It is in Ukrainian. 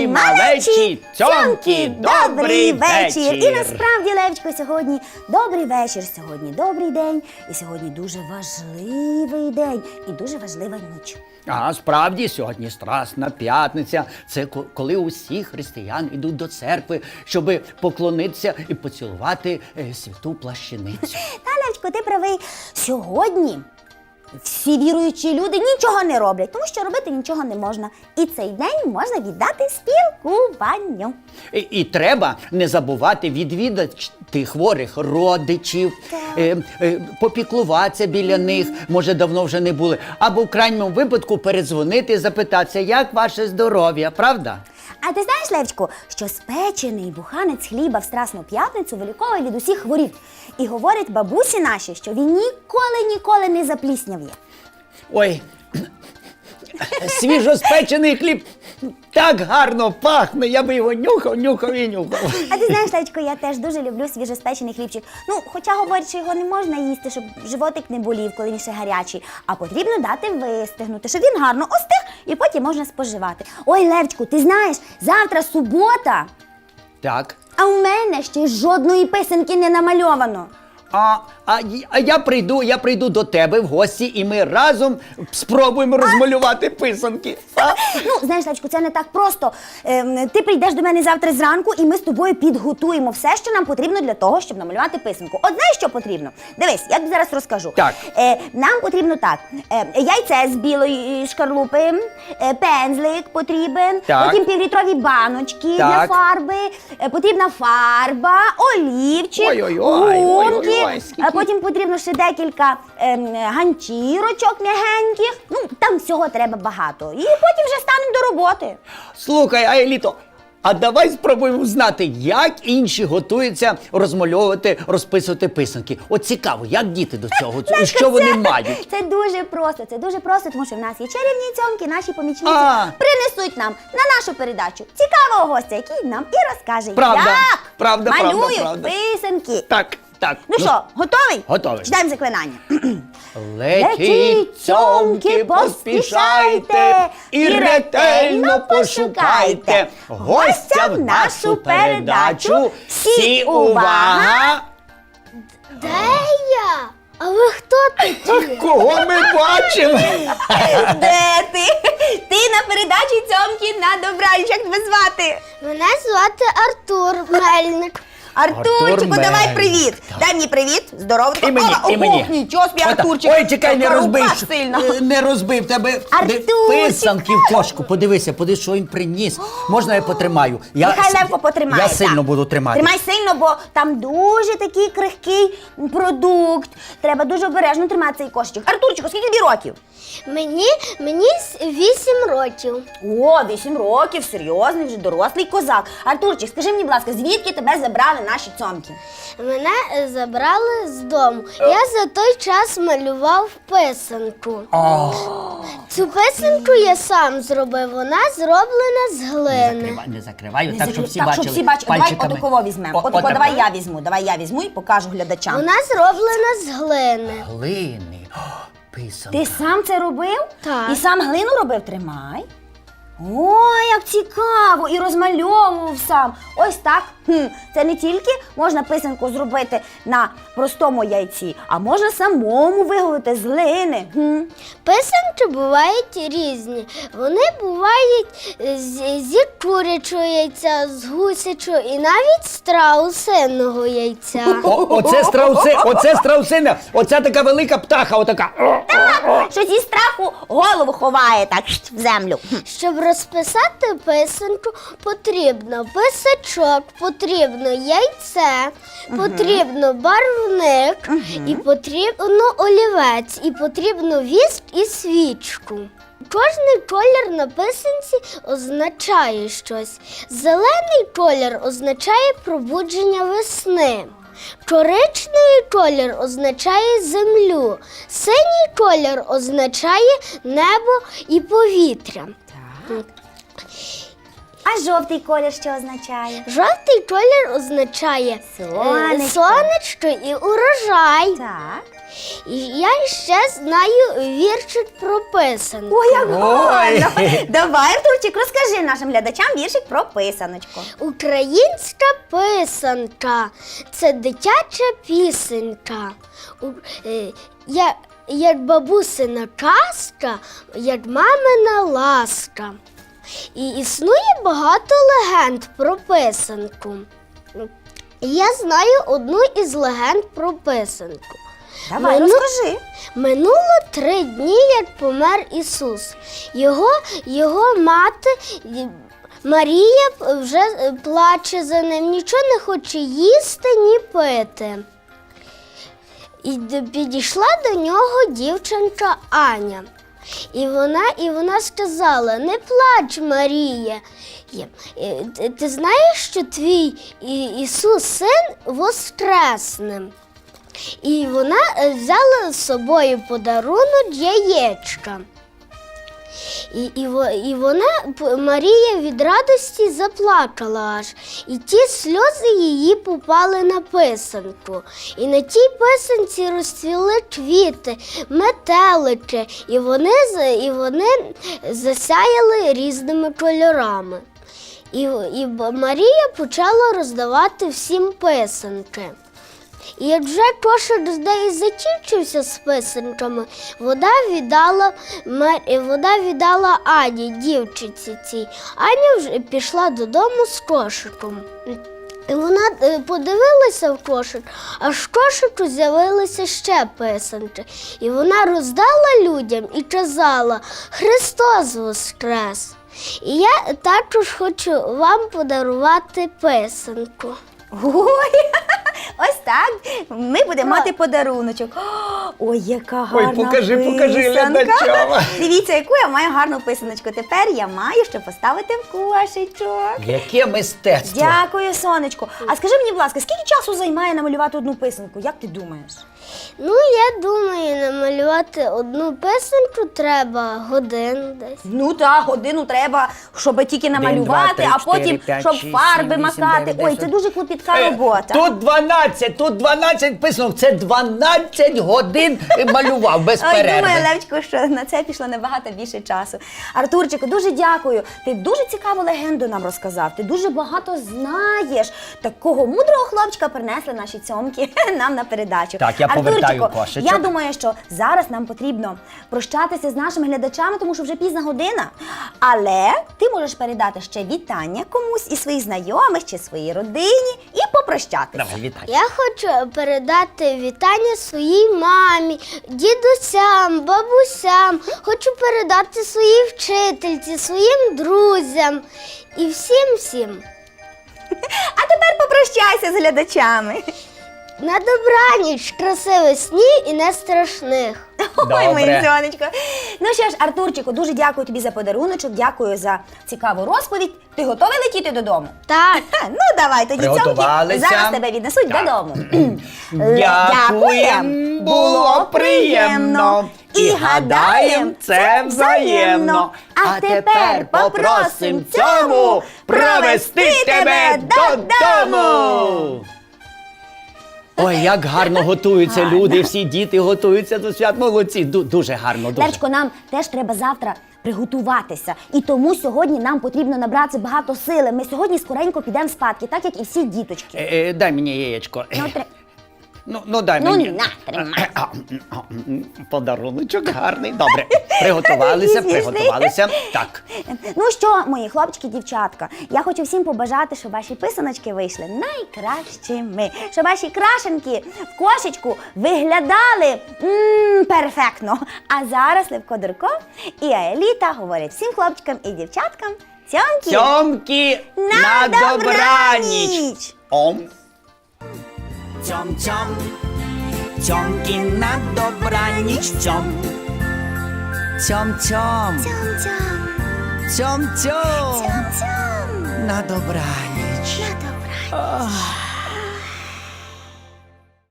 Мої малечі цьомки, добрий вечір! І насправді, Левчко, сьогодні добрий вечір, сьогодні добрий день, і сьогодні дуже важливий день і дуже важлива ніч. А справді, сьогодні Страсна п'ятниця. Це коли усі християни йдуть до церкви, щоб поклонитися і поцілувати святу плащаницю. Та, Левчко, ти правий. Сьогодні всі віруючі люди нічого не роблять, тому що робити нічого не можна. І цей день можна віддати спілкуванню. І треба не забувати відвідати хворих родичів, попіклуватися біля них, може давно вже не були, або в крайньому випадку передзвонити і запитатися, як ваше здоров'я, правда? А ти знаєш, Левчко, що спечений буханець хліба в Страсну п'ятницю виліковує від усіх хворіб. І говорять бабусі наші, що він ніколи не запліснявє. Ой, свіжоспечений хліб так гарно пахне, я би його нюхав. А ти знаєш, Левчко, я теж дуже люблю свіжоспечений хлібчик. Ну, хоча говорять, що його не можна їсти, щоб животик не болів, коли він ще гарячий, а потрібно дати вистигнути, щоб він гарно остиг і потім можна споживати. Ой, Левчку, ти знаєш, завтра субота, Так. а у мене ще жодної писанки не намальовано. А я прийду до тебе в гості, і ми разом спробуємо розмалювати писанки. Ну, знаєш, Левчку, це не так просто. Ти прийдеш до мене завтра зранку, і ми з тобою підготуємо все, що нам потрібно для того, щоб намалювати писанку. От знаєш, що потрібно? Дивись, я тобі зараз розкажу. Так. Нам потрібно так, яйце з білої шкарлупи, пензлик потрібен, Так. потім півлітрові баночки Так. для фарби, потрібна фарба, олівчик, Ой-ой-ой, гумки, ой-ой-ой, скільки. потім потрібно ще декілька ганчірочок м'ягеньких. Ну, там всього треба багато. І потім вже станемо до роботи. Слухай, Аеліто, а давай спробуємо знати, як інші готуються розмальовувати, розписувати писанки. От цікаво, як діти до цього, що вони мають? Це дуже просто, тому що в нас є чарівні цьомки, наші помічниці принесуть нам на нашу передачу цікавого гостя, який нам і розкаже, Правда, як правда, малюють правда. писанки. Так. Ну що, готовий? Готовий. Читаємо заклинання. Летіть, цьомки, поспішайте і ретельно пошукайте гостя в нашу передачу. Всі увага! Де я? А ви хто такі? Кого ми бачимо? Де ти? Ти на передачі цьомки на добраніч. Як тебе звати? Мене звати Артур Мельник. Артурчику, давай Мельник. привіт. Дай мені привіт. Здорово. І мені, і мені. Нічого собі, Артурчик. Ой, чекай, не Яка розбий. рука сильна. Не розбив тебе Артурчик. писанки в кошку. Подивися, що він приніс. Можна я потримаю? Нехай Левко потримає. Я сильно буду тримати. Тримай сильно, бо там дуже такий крихкий продукт. Треба дуже обережно тримати цей кошечок. Артурчику, скільки тобі років? Мені 8 років. О, 8 років, серйозний, вже дорослий козак. Артурчик, скажи мені, будь ласка, звідки тебе забрали наші цьомки? Мене забрали з дому. Я за той час малював писанку. Цю писанку я сам зробив. Вона зроблена з глини. Не закриваю, Не так, закрив- щоб всі так, бачили. щоб всі бачили. Давай пальчиками. отаково візьмемо. Отако, давай я візьму і покажу глядачам. Вона зроблена з глини. Глини. Писанка. Ти сам це робив? Так. І сам глину робив? Тримай. Ой, як цікаво! І розмальовував сам. Ось так. Це не тільки можна писанку зробити на простому яйці, а можна самому виготовити з глини. Писанки бувають різні. Вони бувають зі курячого яйця, з гусячого і навіть з страусиного яйця. Оце страусина, оця така велика птаха, отака. Що зі страху голову ховає так в землю. Щоб розписати писанку, потрібно писачок, потрібно яйце, потрібно барвник, і потрібно олівець, і потрібно віск і свічку. Кожний колір на писанці означає щось. Зелений колір означає пробудження весни. Коричневий колір означає землю, синій колір означає небо і повітря. А жовтий колір що означає? Жовтий колір означає Сонечко. сонечко і урожай. Так. І я ще знаю віршик про писанку. Ой, як гарно! Ой. Давай, Артурчик, розкажи нашим глядачам віршик про писаночку. Українська писанка – це дитяча пісенька. Як бабусина казка, як мамина ласка. І існує багато легенд про писанку. Я знаю одну із легенд про писанку. Давай, Мину- розкажи. Минуло 3 дні, як помер Ісус. Його мати Марія вже плаче за ним, нічого не хоче їсти, ні пити. І підійшла до нього дівчинка Аня. І вона сказала: не плач, Марія. Ти знаєш, що твій Ісус син воскресне? І вона взяла з собою подарунок яєчка. І Марія від радості заплакала аж. І ті сльози її попали на писанку. І на тій писанці розцвіли квіти, метелики, і вони засяяли різними кольорами. І Марія почала роздавати всім писанки. І як вже кошик з неї закінчився з писанками, вода віддала Ані, дівчинці цій. Аня вже пішла додому з кошиком. І вона подивилася в кошик, а в кошику з'явилися ще писанки. І вона роздала людям і казала: «Христос воскрес!» І я також хочу вам подарувати писанку. Ой, ось так. Ми будемо мати подаруночок. Ой, яка гарна покажи писанка. глядачам. Дивіться, яку я маю гарну писаночку. Тепер я маю що поставити в кошечок. Яке мистецтво. Дякую, сонечко. А скажи мені, будь ласка, скільки часу займає намалювати одну писанку? Як ти думаєш? Ну, я думаю, намалювати одну писанку треба годин десь. Ну так, годину треба, щоб тільки намалювати, 2, 3, а потім 4, 5, щоб 6, фарби 7, 8, макати. 9, Ой, 10. це дуже клопітка робота. Тут 12 писанок, це 12 годин малював без Ой, перерви. думаю, Левчику, що на це пішло набагато більше часу. Артурчику, дуже дякую. Ти дуже цікаву легенду нам розказав. Ти дуже багато знаєш. Такого мудрого хлопчика принесли наші цьомки нам на передачу. Так, я повертаю Артурчику, кошечок. я думаю, що зараз нам потрібно прощатися з нашими глядачами, тому що вже пізна година. Але ти можеш передати ще вітання комусь із своїх знайомих чи своїй родині і попрощатися. Давай, вітай. Я хочу передати вітання своїй мамі, дідусям, бабусям. Хочу передати своїй вчительці, своїм друзям і всім-всім. А тепер попрощайся з глядачами. На добраніч, красивих снів і не страшних. Ой, моє Добре. сонечко. Ну що ж, Артурчику, дуже дякую тобі за подаруночок, дякую за цікаву розповідь. Ти готовий летіти додому? Так. Ну, давай, тоді цьомки Приготувалися. зараз тебе віднесуть Так. додому. Дякуєм, було приємно. І гадаєм, це взаємно. А тепер попросим цьому провести тебе додому. Ой, як гарно готуються люди, всі діти готуються до свят. Молодці, дуже гарно, дуже. Левчко, нам теж треба завтра приготуватися. І тому сьогодні нам потрібно набрати багато сили. Ми сьогодні скоренько підемо спадки, так як і всі діточки. Дай мені яєчко. Ну, Ну, дай Ну, мені. на, тримай. Подаруночок гарний. Добре. Приготувалися, Такий смішний. приготувалися. Так. Ну що, мої хлопчики, дівчатка, я хочу всім побажати, щоб ваші писаночки вийшли найкращими, щоб ваші крашенки в кошечку виглядали перфектно. А зараз Левко Дурко і Аеліта говорять всім хлопчикам і дівчаткам цьомки Цьомки на на добраніч. добраніч! Ом. Цьом-цьом, цьомки на добраніч, цьом. Цьом-цьом, цьом-цьом, на добраніч. На добраніч!